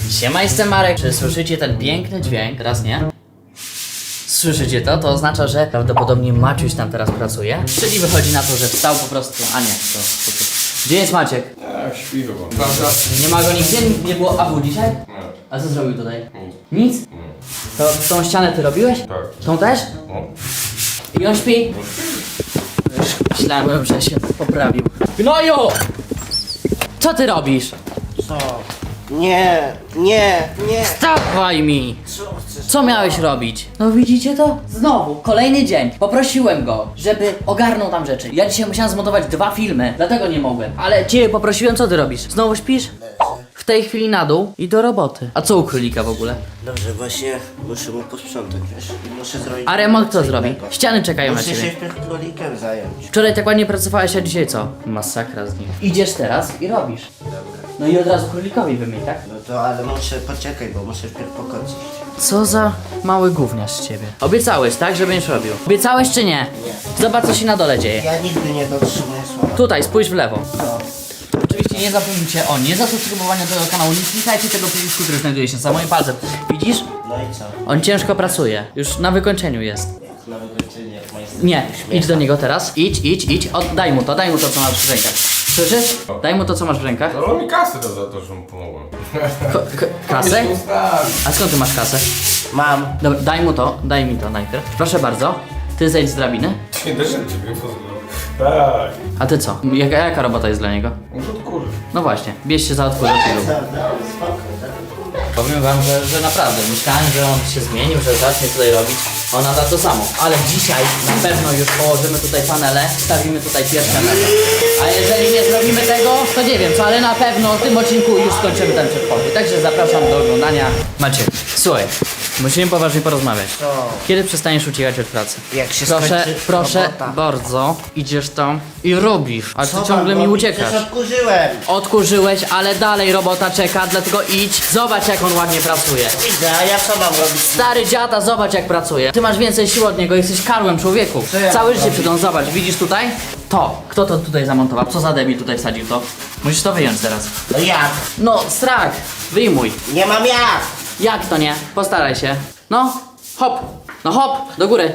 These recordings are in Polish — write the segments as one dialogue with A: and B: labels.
A: Siema, jestem Marek. Czy słyszycie ten piękny dźwięk? Teraz nie. Słyszycie to? To oznacza, że prawdopodobnie Maciuś tam teraz pracuje. Czyli wychodzi na to, że wstał po prostu. A nie, to. Gdzie jest Maciek?
B: Śpi chyba.
A: Nie ma go nigdzie? Nie było Abu dzisiaj?
B: Nie.
A: A co zrobił tutaj?
B: Nic.
A: Nic? To tą ścianę ty robiłeś?
B: Tak.
A: Tą też?
B: No.
A: I on śpi? Już myślałem, że się poprawił. Gnoju! Co ty robisz?
C: Co? Nie.
A: Stawaj mi!
C: Co chcesz?
A: Co miałeś robić? No widzicie to? Znowu, kolejny dzień. Poprosiłem go, żeby ogarnął tam rzeczy. Ja dzisiaj musiałem zmontować 2 filmy, dlatego nie mogłem. Ale ciebie poprosiłem, co ty robisz? Znowu śpisz? W tej chwili na dół i do roboty. A co u królika w ogóle?
C: Dobrze, właśnie muszę mu posprzątać, wiesz? I muszę zrobić...
A: A remont kto
C: coś
A: zrobi?
C: innego.
A: Ściany czekają na
C: Muszę się
A: ciebie.
C: wpierw królikiem zająć.
A: Wczoraj tak ładnie pracowałeś, a dzisiaj co? Masakra z nim. Idziesz teraz i robisz.
C: Dobra.
A: No i od razu królikowi wymień, tak?
C: No to ale muszę, poczekaj, bo muszę wpierw pokocić.
A: Co za mały gówniarz z ciebie. Obiecałeś, tak, że będziesz robił? Obiecałeś czy nie?
C: Nie.
A: Zobacz, co się na dole dzieje.
C: Ja nigdy nie dotrzymuję słowa.
A: Tutaj, spójrz w lewo.
C: No.
A: Oczywiście nie zapomnijcie o niezasubskrybowaniu tego kanału, nie klikajcie tego przycisku, który znajduje się za moim palcem. Widzisz?
C: No i co?
A: On ciężko pracuje. Już na wykończeniu jest.
C: Jak na wykończenie, jak majster
A: Nie,
C: uśmiecha.
A: idź do niego teraz. Idź. Daj mu to, co masz w rękach. Słyszysz? Daj mu to, co masz w rękach.
B: Dał mi kasę za to, że mu pomogłem.
A: Kasę?
B: Myślę, ustawi.
A: A skąd ty masz kasę?
C: Mam.
A: Dobra, daj mi to najpierw. Proszę bardzo. Ty zejdź z drabiny.
B: Nie da ciebie pozwolę. Tak.
A: A ty co? Jaka robota jest dla niego?
B: Muszę odkurzyć.
A: No właśnie, bierz się za odkurzacz i rób. Powiem wam, że naprawdę myślałem, że on się zmienił, że zacznie tutaj robić. On nada to samo. Ale dzisiaj na pewno już położymy tutaj panele, stawimy tutaj pierwsze meble. A jeżeli nie zrobimy tego, to nie wiem co, ale na pewno w tym odcinku już skończymy ten przedpokój. Także zapraszam do oglądania. Maciek, słuchaj, musimy poważnie porozmawiać.
C: Co?
A: Kiedy przestaniesz uciekać od pracy?
C: Jak się
A: Proszę
C: skończy robota.
A: bardzo, idziesz tam i robisz, a ty
C: Co
A: ciągle
C: mam
A: mi
C: robić?
A: uciekasz.
C: Przecież odkurzyłem.
A: Odkurzyłeś, ale dalej robota czeka, dlatego idź, zobacz jak on ładnie pracuje.
C: Widzę, a ja co mam robić?
A: Stary dziada, zobacz jak pracuje. Ty masz więcej sił od niego, jesteś karłem człowieku.
C: Co ja
A: Całe
C: mam
A: życie
C: robić?
A: przed on, zobacz, widzisz tutaj? To, kto to tutaj zamontował? Co za debil tutaj wsadził to? Musisz to wyjąć teraz.
C: No jak?
A: No, strach, wyjmuj.
C: Nie mam jak!
A: Jak to nie? Postaraj się. No, hop, no hop, do góry.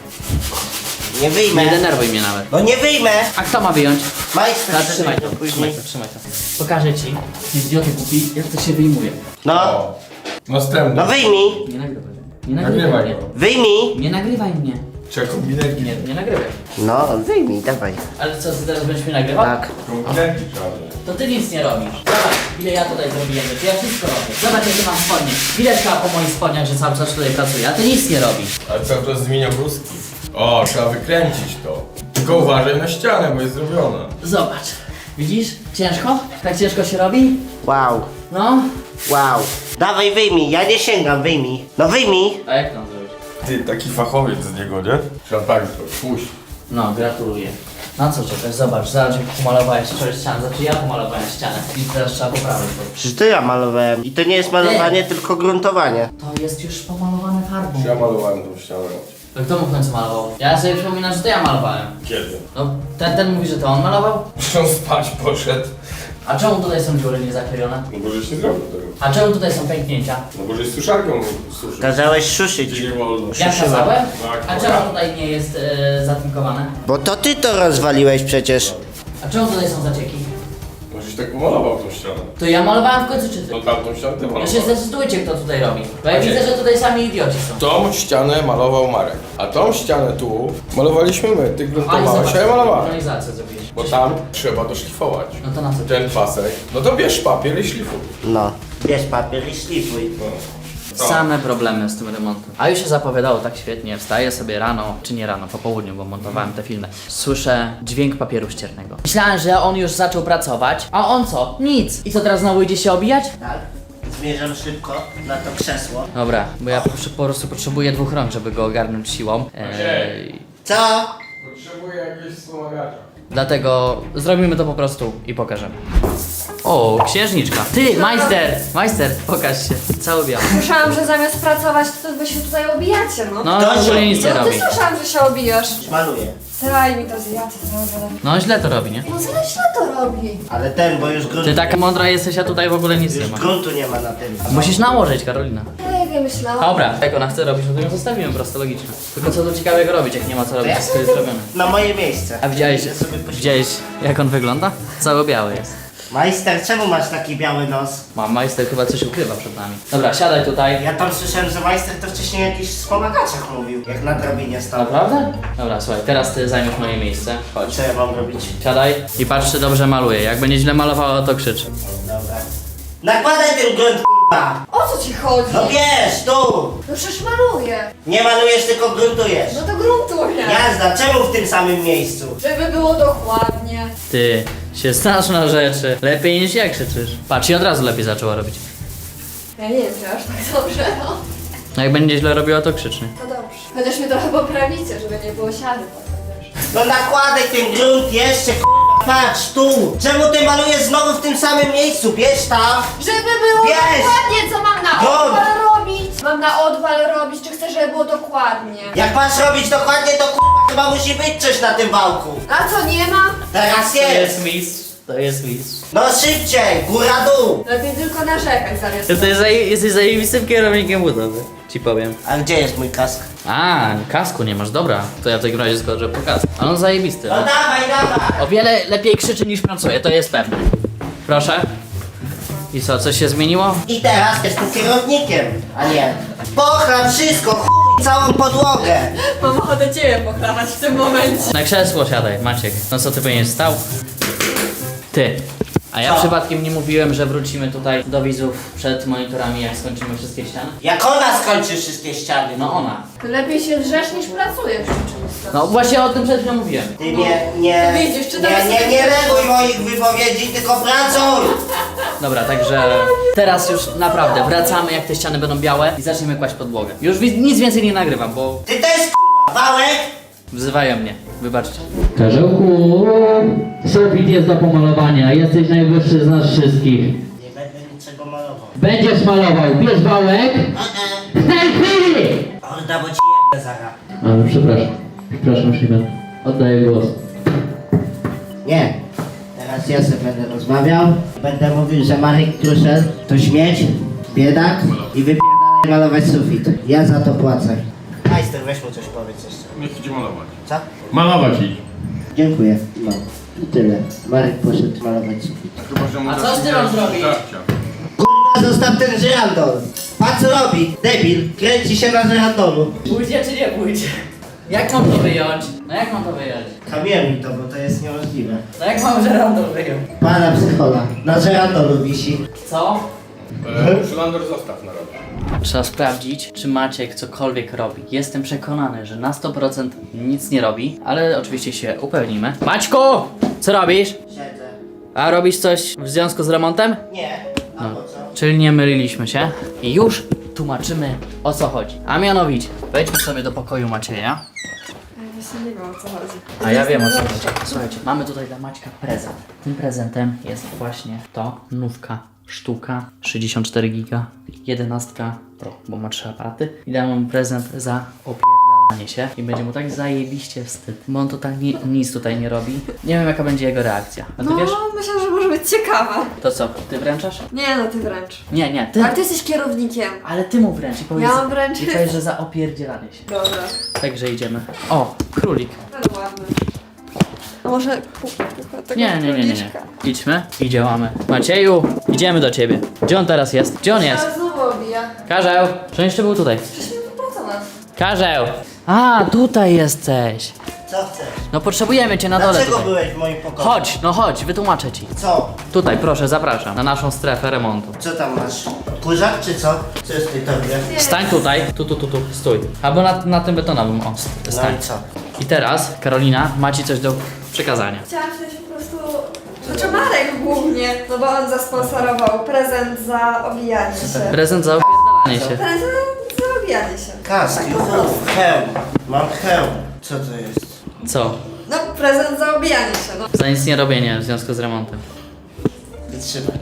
C: Nie wyjmę.
A: Nie denerwuj mnie nawet.
C: No nie wyjmę!
A: A kto ma wyjąć?
C: Majster,
A: Teraz trzymaj to,
C: później.
A: trzymaj to. Pokażę ci, ty idioty głupi, jak to się wyjmuje.
C: No,
B: O. Następny.
C: no wyjmij!
A: Nie nagrywaj. Nie nagrywaj
B: Nagrywaj
A: mnie.
B: go.
C: Wyjmij!
A: Nie nagrywaj mnie.
B: Czy kombinerki?
A: Nie nagrywaj.
C: No, wyjmij, dawaj.
A: Ale co, ty teraz będziesz mnie nagrywał?
C: Tak.
B: Kombinerki trzeba wziąć.
A: To ty nic nie robisz. Zobacz, ile ja tutaj zrobiłem rzeczy. Ja wszystko robię. Zobacz, jakie mam spodnie. Widać chyba po moich spodniach, że cały czas tutaj pracuję, a ty nic nie robisz.
B: Ale cały czas zmienia bruski. O, trzeba wykręcić to. Tylko uważaj na ścianę, bo jest zrobiona.
A: Zobacz. Widzisz? Ciężko? Tak ciężko się robi?
C: Wow,
A: No.
C: wow. Dawaj, wyjmij, ja nie sięgam, wyjmij. No wyjmij!
A: A jak to zrobić?
B: Ty, taki fachowiec z niego, nie? Trzeba tak to puść.
A: No, gratuluję. Na co czekasz? Zobacz, jak pomalowałeś wczoraj ścianę. Znaczy ja pomalowałem ścianę. I teraz trzeba poprawić to.
C: Przecież to ja malowałem. I to nie jest malowanie, tylko gruntowanie.
A: To jest już pomalowane farbą.
B: Ja malowałem tą ścianę.
A: To kto mu w końcu malował? Ja sobie przypominam, że to ja malowałem.
B: Kiedy?
A: No, ten mówi, że to on malował?
B: On spać poszedł.
A: A czemu tutaj są dziury niezaklejone?
B: No bo żeś nie zrobił tego.
A: A czemu tutaj są pęknięcia?
B: No bo żeś suszarką suszył.
C: Kazałeś suszyć.
B: Czyli nie wolno.
A: Ja kazałem?
B: Tak,
A: A
B: ja.
A: czemu tutaj nie jest zatynkowane?
C: Bo to ty to rozwaliłeś przecież.
A: A czemu tutaj są zacieki?
B: No żeś tak pomalował tą ścianę.
A: To ja malowałem w końcu czy ty?
B: No tamtą ścianę ty
A: Ja się
B: malowałeś.
A: zdecydujcie, kto tutaj robi. Bo ja
B: Maciek.
A: widzę, że tutaj sami idioci są.
B: Tą ścianę malował Marek, a tą ścianę tu malowaliśmy my. Ty
A: A i
B: gruntowałeś, a ja malowałem.
A: organizację zrobiłeś.
B: Bo tam trzeba doszlifować.
A: No to na co?
B: Ten pasek. No to bierz papier i szlifuj.
C: No. Bierz papier i szlifuj.
B: No. Co?
A: Same problemy z tym remontem. A już się zapowiadało tak świetnie. Wstaję sobie rano, czy nie rano, po południu, bo montowałem te filmy. Słyszę dźwięk papieru ściernego. Myślałem, że on już zaczął pracować, a on co? Nic. I co teraz znowu idzie się obijać?
C: Tak. Zmierzam szybko na to krzesło.
A: Dobra, bo ja po prostu potrzebuję 2 rąk, żeby go ogarnąć siłą.
C: Co?
B: Potrzebuję jakiegoś wspomagacza.
A: Dlatego zrobimy to po prostu i pokażemy. O, księżniczka. Ty, majster, pokaż się. Cały biały.
D: Słyszałam, że zamiast pracować, to wy się tutaj obijacie, no.
A: No,
C: Kto
A: w ogóle
C: się
A: nic nie
D: No
A: robi.
D: ty słyszałam, że się obijasz.
C: Maluję.
D: Daj mi to zjadł, zrobię.
A: No źle to robi, nie?
D: No źle to robi.
C: Ale ten, bo już gruntu,
A: Ty taka mądra jesteś, a tutaj w ogóle nic nie
C: już
A: ma.
C: gruntu nie ma na tym.
A: Musisz nałożyć, Karolina.
D: Jak ja myślałam.
A: Dobra, jak ona chce robić, no to ją zostawimy, prosto logiczne. Tylko co tu ciekawego robić, jak nie ma co robić, wszystko jest zrobione.
C: Na moje miejsce.
A: A widziałeś,
C: Idę sobie poświęcić.
A: widziałeś jak on wygląda? Cały biały jest.
C: Majster, czemu masz taki biały nos?
A: Mam majster chyba coś ukrywa przed nami. Dobra, siadaj tutaj.
C: Ja tam słyszałem, że majster to wcześniej jakiś wspomagaczach mówił, jak na drabinie stał.
A: Naprawdę? Dobra, słuchaj, teraz ty zajmiesz moje miejsce. Chodź.
C: Co ja mam robić?
A: Siadaj i patrz, czy dobrze maluje. Jak będzie źle malowała, to krzycz.
C: Dobra. Nakładaj ten grunt, k***a!
D: O co ci chodzi?
C: No wiesz, tu!
D: No przecież maluję.
C: Nie malujesz, tylko gruntujesz.
D: No to gruntuję.
C: Jazda, czemu w tym samym miejscu?
D: Żeby było dokładnie.
A: Ty się znasz na rzeczy. Lepiej niż jak krzyczysz. Patrz, i od razu lepiej zaczęła robić.
D: Ja nie wiem, czy aż tak dobrze, no.
A: No jak będzie źle robiła, to krzyczny.
D: To dobrze. Chociaż mnie trochę poprawicie, żeby nie było siady potem, wiesz.
C: No nakładaj ten grunt jeszcze, k***a, patrz, tu! Czemu ty malujesz znowu w tym samym miejscu? Bierz tam!
D: Żeby było
C: Wiesz!
D: dokładnie, co mam na
C: Dobra.
D: odwal robić. Mam na odwal robić, czy chcesz, żeby było dokładnie.
C: Jak masz robić dokładnie, to k***a, chyba musi być coś na tym wałku.
D: A co, nie ma?
C: Teraz jest!
A: mistrz. To jest mistrz.
C: No szybciej, góra-dół!
D: Lepiej tylko narzekać zamiast...
A: Ty jesteś zajebistym kierownikiem budowy. Ci powiem.
C: A gdzie jest mój kask?
A: A, kasku nie masz, dobra. To ja w takim razie zgodzę po kasku. Ale on zajebisty.
C: No
A: No.
C: dawaj, dawaj!
A: O wiele lepiej krzyczy niż pracuje, to jest pewne. Proszę. I co, coś się zmieniło?
C: I teraz jestem kierownikiem, a nie. Pochlam wszystko, chuj, całą podłogę!
D: Mam ochotę ciebie pochlawać w tym momencie.
A: Na krzesło siadaj, Maciek. No co ty będziesz stał? Ty. A ja
C: Co?
A: przypadkiem nie mówiłem, że wrócimy tutaj do widzów przed monitorami, jak skończymy wszystkie ściany?
C: Jak ona skończy wszystkie ściany?
A: No ona.
D: To lepiej się drzesz niż pracujesz przy czymś.
A: No właśnie o tym przed chwilą mówiłem.
C: Ty nie
D: Widzisz, czy teraz
C: nie reaguj moich wypowiedzi, tylko pracuj!
A: Dobra, także teraz już naprawdę wracamy, jak te ściany będą białe i zaczniemy kłaść podłogę. Już nic więcej nie nagrywam, bo
C: Ty też k***a, wałek!
A: wzywają mnie. Wybaczcie. Karzełku, sufit jest do pomalowania. Jesteś najwyższy z nas wszystkich.
C: Nie będę niczego malował.
A: Będziesz malował. Bierz wałek. W tej chwili!
C: Orda, bo ci jebę zaraz.
A: A, przepraszam, Szymon. Oddaję głos.
C: Nie. Teraz ja sobie będę rozmawiał. Będę mówił, że Marek Kruszel to śmieć, biedak i wypierdalaj malować sufit. Ja za to płacę. Majster, weź mu coś powiedz jeszcze.
B: Niech idzie malować.
C: Co?
B: Malować idź.
C: Dziękuję. No. I tyle. Marek poszedł malować sufit.
B: Chyba, że mu
A: A co
B: dasz
A: z tym mam
B: ideę
A: zrobić?
B: żarcia.
C: Kurwa, zostaw ten żyrandol. A co robi? Debil. Kręci się na żyrandolu.
A: Pójdzie czy nie pójdzie? Jak mam to wyjąć? No jak mam to wyjąć?
C: Kamieruj to, bo to jest niemożliwe.
A: No jak mam żerandol wyjąć?
C: Pana psychola. Na żyrandolu wisi.
A: Co?
B: Szylander zostaw na rok.
A: Trzeba sprawdzić, czy Maciek cokolwiek robi. Jestem przekonany, że na 100% nic nie robi, ale oczywiście się upewnimy. Maćku! Co robisz?
C: Siedzę.
A: A robisz coś w związku z remontem?
C: Nie. A
A: No.
C: po co?
A: Czyli nie myliliśmy się i już tłumaczymy, o co chodzi. A mianowicie, wejdźmy sobie do pokoju Macieja.
D: Ja właśnie nie wiem, o co chodzi.
A: A ja wiem, o co chodzi. Słuchajcie, mamy tutaj dla Maćka prezent. Tym prezentem jest właśnie to nówka sztuka 64 giga 11 Pro, bo ma 3 aparaty. I dam mu prezent za opierdalanie się i będzie mu tak zajebiście wstyd, bo on totalnie nic tutaj nie robi. Nie wiem, jaka będzie jego reakcja. A ty wiesz?
D: myślę, że może być ciekawa.
A: To co, ty wręczasz?
D: Nie no, ty wręcz.
A: Nie, ty.
D: Ale ty jesteś kierownikiem.
A: Ale ty mu wręcz i powiedz,
D: Ja mam wręczyć.
A: i powiedz, że za opierdzielanie się.
D: Dobra.
A: Także idziemy. O, królik.
D: Ten ładny. A może tego
A: Nie.
D: króliczka?
A: Idźmy i działamy. Macieju, idziemy do ciebie. Gdzie on teraz jest? Gdzie on jest?
D: Teraz znowu obija.
A: Karzeł, że jeszcze był tutaj.
D: Przecież mi wypłacona.
A: Karzeł! A, tutaj jesteś.
C: Co chcesz?
A: No potrzebujemy cię na dole
C: Dlaczego
A: tutaj.
C: byłeś w moim pokoju?
A: Chodź, no chodź, wytłumaczę ci.
C: Co?
A: Tutaj, proszę, zapraszam na naszą strefę remontu.
C: Co tam masz? Kurzak czy co? Co jest w tej torbie?
A: Stań tutaj, tu, stój. Albo na tym betonowym, o,
C: No
A: stań.
C: i co?
A: I teraz, Karolina, ma ci coś do przekazania.
D: Chciałam się po prostu... Znaczy Marek głównie, no bo on zasponsorował prezent za obijanie się.
A: Prezent za opierdalanie się.
D: Prezent za obijanie się.
C: Kask, juchów, hełm. Mam hełm. Co to jest?
A: Co?
D: No prezent za obijanie się, no.
A: Za nic nie robienie w związku z remontem.
C: Wytrzymaj.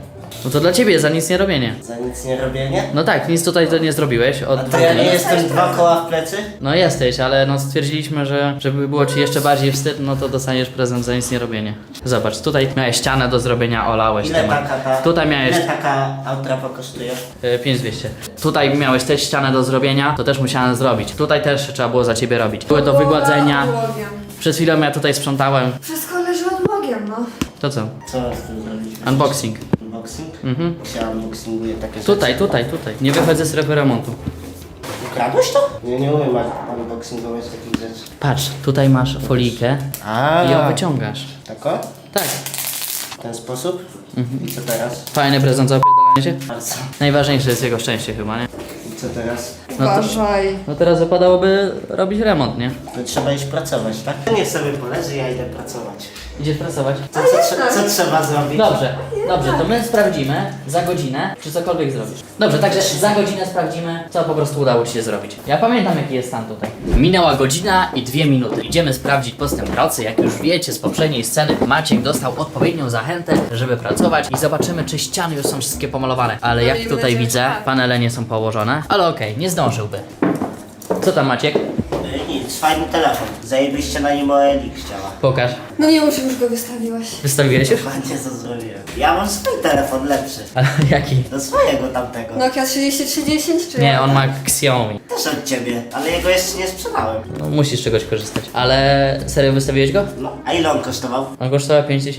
A: No to dla ciebie za nic nie robienie.
C: Za nic nie robienie?
A: No tak, nic tutaj to nie zrobiłeś od
C: A to
A: 2
C: ja
A: dni.
C: nie jestem 2 koła w plecy?
A: No jesteś, ale no stwierdziliśmy, że żeby było ci jeszcze bardziej wstyd, no to dostaniesz prezent za nic nie robienie. Zobacz, tutaj miałeś ścianę do zrobienia, olałeś
C: Ile
A: temat.
C: taka ta...
A: Tutaj miałeś
C: Ile taka autrapa kosztuje?
A: 5200. Tutaj miałeś też ścianę do zrobienia, to też musiałem zrobić. Tutaj też trzeba było za ciebie robić. Były do wygładzenia.
D: Odłogiem.
A: Przed chwilą ja tutaj sprzątałem.
D: Wszystko leży odłogiem, no.
A: To co?
C: Co z tym zrobić?
A: Unboxing.
C: Unboxing?
A: Mhm.
C: Ja unboxinguję takie rzeczy.
A: Tutaj. Nie wychodzę z strefy remontu.
C: Ukradłeś to? Nie umiem unboxingować takich rzeczy.
A: Patrz, tutaj masz folijkę i ją wyciągasz.
C: Tako?
A: Tak.
C: W ten sposób? I co teraz?
A: Fajny prezent za opierdolenie się.
C: Bardzo.
A: Najważniejsze jest jego szczęście chyba, nie?
C: I co teraz?
A: No to-
D: Uważaj.
A: No teraz wypadałoby robić remont, nie?
C: To trzeba iść pracować, tak? Niech sobie poleży, ja idę pracować.
A: Idziesz pracować?
C: Co trzeba zrobić?
A: Dobrze, to my sprawdzimy za godzinę, czy cokolwiek zrobisz. Dobrze, także za godzinę sprawdzimy, co po prostu udało ci się zrobić. Ja pamiętam, jaki jest stan tutaj. Minęła godzina i 2 minuty. Idziemy sprawdzić postęp pracy. Jak już wiecie z poprzedniej sceny, Maciek dostał odpowiednią zachętę, żeby pracować i zobaczymy, czy ściany już są wszystkie pomalowane. Ale jak
D: miejmy
A: tutaj
D: nadzieję,
A: widzę,
D: że tak.
A: panele nie są położone, ale okej, nie zdążyłby. Co tam, Maciek?
C: Nic, fajny telefon. Zajebiście na nim OLX chciała.
A: Pokaż.
D: No nie już go wystawiłeś.
A: Wystawiłeś już?
C: Ładnie co zrobiłem. Ja mam swój telefon lepszy.
A: Ale jaki?
C: Do swojego tamtego.
D: Nokia 3310 czy
A: Nie,
D: jak?
A: on ma Xiaomi.
C: Też od ciebie, ale jego jeszcze nie sprzedałem.
A: No, musisz z czegoś korzystać. Ale serio wystawiłeś go?
C: No, a ile on kosztował?
A: On kosztował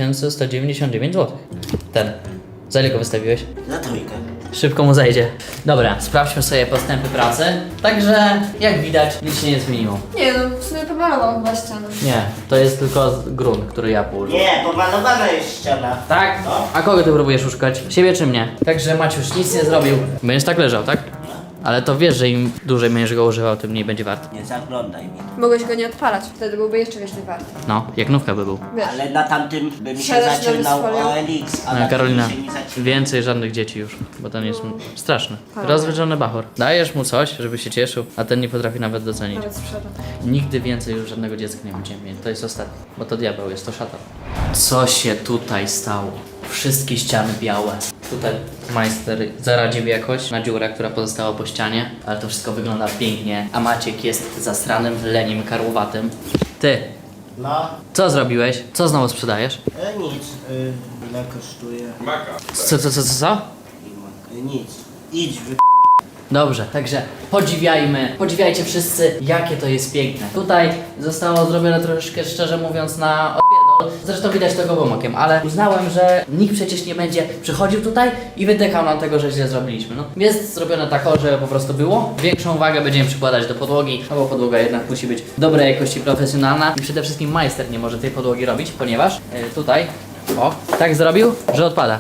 A: 5199 zł. Ten. Za ile go wystawiłeś?
C: Za trójkę.
A: Szybko mu zejdzie. Dobra, sprawdźmy sobie postępy pracy. Także, jak widać, nic się nie zmieniło.
D: Nie no, w sumie pomalował chyba ścianę.
A: Nie, to jest tylko grunt, który ja położyłem.
C: Nie, pomalowana jest ściana.
A: Tak?
C: No.
A: A kogo ty próbujesz szukać? Siebie czy mnie? Także Maciuś nic nie zrobił. Będziesz tak leżał, tak? Ale to wiesz, że im dłużej będziesz go używał, tym mniej będzie wart.
C: Nie zaglądaj mi.
D: Mogłeś go nie odpalać, wtedy byłby jeszcze więcej warty.
A: No, jak nówka by był.
D: Wiesz.
C: Ale na tamtym by mi się
D: Siadasz na
C: zaczynał
D: wysfolią?
C: OLX, a na
A: Karolina,
C: tym się nie zaczyna.
A: więcej żadnych dzieci już, bo ten jest straszny.
D: Ale-
A: Rozwydrzony bachor. Dajesz mu coś, żeby się cieszył, a ten nie potrafi nawet docenić.
D: Nawet sprzedam.
A: Nigdy więcej już żadnego dziecka nie będziemy mieli. To jest ostatni, bo to diabeł jest, to szatan. Co się tutaj stało? Wszystkie ściany białe. Tutaj majster zaradził jakoś na dziurę, która pozostała po ścianie, ale to wszystko wygląda pięknie, a Maciek jest zastranym leniem karłowatym. Ty,
C: No,
A: co zrobiłeś? Co znowu sprzedajesz?
C: nic. Ile kosztuje?
B: Maka.
A: Co?
C: Nic. Idź,
A: Dobrze, także podziwiajcie wszyscy, jakie to jest piękne. Tutaj zostało zrobione troszeczkę, szczerze mówiąc, na odpierdol. Zresztą widać to gołym okiem, ale uznałem, że nikt przecież nie będzie przychodził tutaj i wytykał nam tego, że źle zrobiliśmy. No, jest zrobione tak, że po prostu było. Większą uwagę będziemy przykładać do podłogi, no bo podłoga jednak musi być dobrej jakości, profesjonalna i przede wszystkim majster nie może tej podłogi robić, ponieważ tutaj, tak zrobił, że odpada.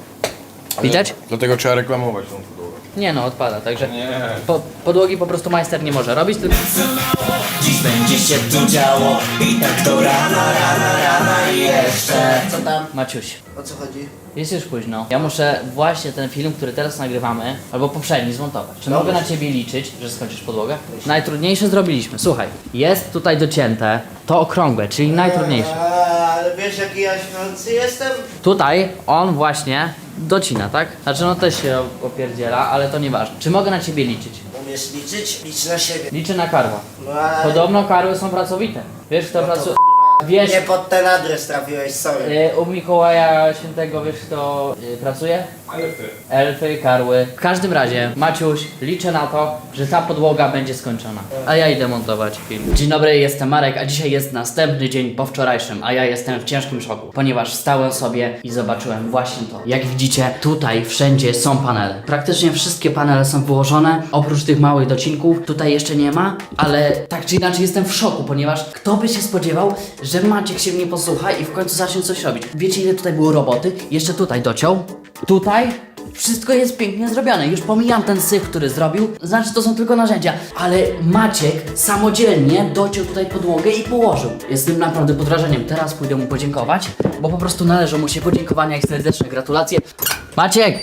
A: Widać?
B: Dlatego trzeba reklamować tą podłogę.
A: Nie no, odpada, także
B: Nie.
A: podłogi po prostu majster nie może robić, tylko... Dziś będzie się tu działo i tak do rana i jeszcze...
C: Co tam?
A: Maciuś,
C: O co chodzi?
A: jest już późno. Ja muszę właśnie ten film, który teraz nagrywamy, albo poprzedni zmontować. Czy mogę na ciebie liczyć, że skończysz podłogę? Najtrudniejsze zrobiliśmy. Słuchaj, jest tutaj docięte to okrągłe, czyli najtrudniejsze.
C: Ale wiesz jaki ja śpiący jestem?
A: Tutaj on właśnie docina, tak? Znaczy no też się opierdziela, ale to nieważne. Czy mogę na ciebie liczyć?
C: Umiesz liczyć? Licz na siebie.
A: Liczę na karła.
C: No ale...
A: Podobno karły są pracowite. Wiesz kto pracuje? Wiesz,
C: Nie pod ten adres trafiłeś, sorry.
A: u Mikołaja Świętego wiesz kto pracuje? Elfy, karły. W każdym razie, Maciuś, liczę na to, że ta podłoga będzie skończona. A ja idę montować film. Dzień dobry, jestem Marek, a dzisiaj jest następny dzień po wczorajszym, a ja jestem w ciężkim szoku, ponieważ stałem sobie i zobaczyłem właśnie to. Jak widzicie, tutaj wszędzie są panele. Praktycznie wszystkie panele są wyłożone, oprócz tych małych docinków. Tutaj jeszcze nie ma, ale tak czy inaczej jestem w szoku, ponieważ kto by się spodziewał, że Maciek się mnie posłucha i w końcu zacznie coś robić. Wiecie ile tutaj było roboty? Jeszcze tutaj dociął. Tutaj wszystko jest pięknie zrobione. Już pomijam ten syf, który zrobił. Znaczy to są tylko narzędzia. Ale Maciek samodzielnie dociął tutaj podłogę i położył. Jestem naprawdę pod wrażeniem. Teraz pójdę mu podziękować, bo po prostu należą mu się podziękowania i serdeczne gratulacje. Maciek!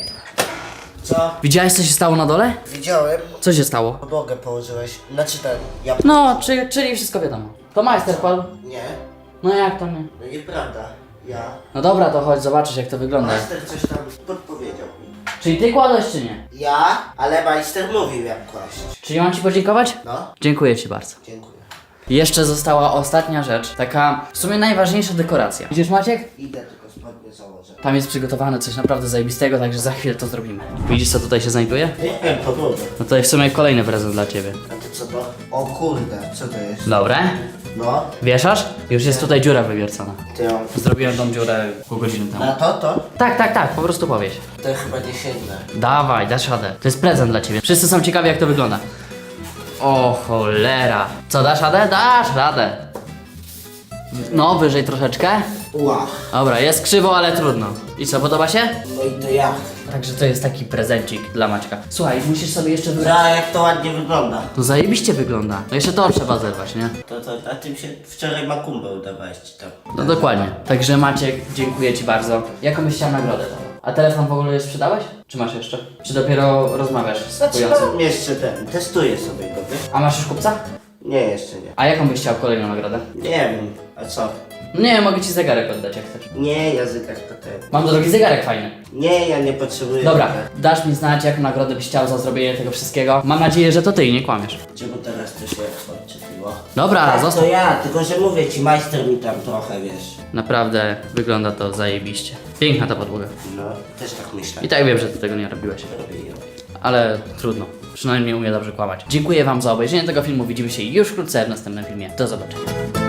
C: Co?
A: Widziałeś co się stało na dole?
C: Widziałem.
A: Co się stało?
C: Podłogę położyłeś. Znaczy ten, ja...
A: No, czyli wszystko wiadomo. To majster padł.
C: Nie.
A: No jak to nie?
C: No nieprawda. Ja...
A: No dobra, to chodź, zobaczysz jak to wygląda.
C: Master coś tam podpowiedział.
A: Czyli ty kładłeś czy nie?
C: Ja, ale majster mówił jak kłaść.
A: Czyli mam ci podziękować?
C: No,
A: Dziękuję ci bardzo.
C: dziękuję.
A: Jeszcze została ostatnia rzecz, taka w sumie najważniejsza dekoracja. Widzisz, Maciek?
C: Idę tylko spodnie założę.
A: Tam jest przygotowane coś naprawdę zajebistego, także za chwilę to zrobimy. Widzisz, co tutaj się znajduje?
C: Nie wiem, podłogę.
A: No to jest w sumie kolejny prezent dla ciebie.
C: A to co to? O kurde, co to jest?
A: Dobre?
C: No,
A: Wieszasz? Już jest tutaj dziura wywiercona.
C: ty ją...
A: Zrobiłem tą dziurę pół godziny temu.
C: Na to?
A: Tak, po prostu powieś.
C: To chyba nie sięgnę.
A: Dawaj, dasz radę. To jest prezent dla ciebie. Wszyscy są ciekawi, jak to wygląda. O cholera. Co, dasz radę? Dasz radę. No, wyżej troszeczkę.
C: Ła.
A: Dobra, jest krzywo, ale trudno. I co, podoba się?
C: No i to jak?
A: Także to jest taki prezencik dla Maćka. Słuchaj, musisz sobie jeszcze wybrać.
C: Za jak to ładnie wygląda.
A: No zajebiście wygląda. No jeszcze to trzeba zerwać, nie?
C: To na tym się wczoraj makumbę udawałeś ci tam.
A: No dokładnie. Także Maciek, dziękuję ci bardzo. Jaką byś chciał nagrodę? A telefon w ogóle już sprzedałeś? Czy masz jeszcze? Czy dopiero rozmawiasz z kupującym?
C: Mam jeszcze ten, testuję sobie go, wiesz?
A: A masz już kupca?
C: Nie, jeszcze nie.
A: A jaką byś chciał kolejną nagrodę?
C: Nie wiem, a co?
A: No nie, mogę ci zegarek oddać, jak chcesz.
C: Nie, językach to ten.
A: Mam drogi zegarek fajny.
C: Nie, ja nie potrzebuję.
A: Dobra,
C: tego.
A: dasz mi znać, jaką nagrodę byś chciał za zrobienie tego wszystkiego. Mam nadzieję, że to ty i nie kłamiesz.
C: Czemu teraz to się odczepiło?
A: Dobra,
C: Tak,
A: zostaw.
C: to ja, tylko że mówię ci, majster mi tam trochę, wiesz.
A: Naprawdę wygląda to zajebiście. Piękna ta podłoga.
C: No, też tak myślę.
A: I tak wiem, że ty tego nie robiłeś.
C: Robię ją.
A: Ale trudno. Przynajmniej umie dobrze kłamać. Dziękuję wam za obejrzenie tego filmu. Widzimy się już wkrótce w następnym filmie. Do zobaczenia.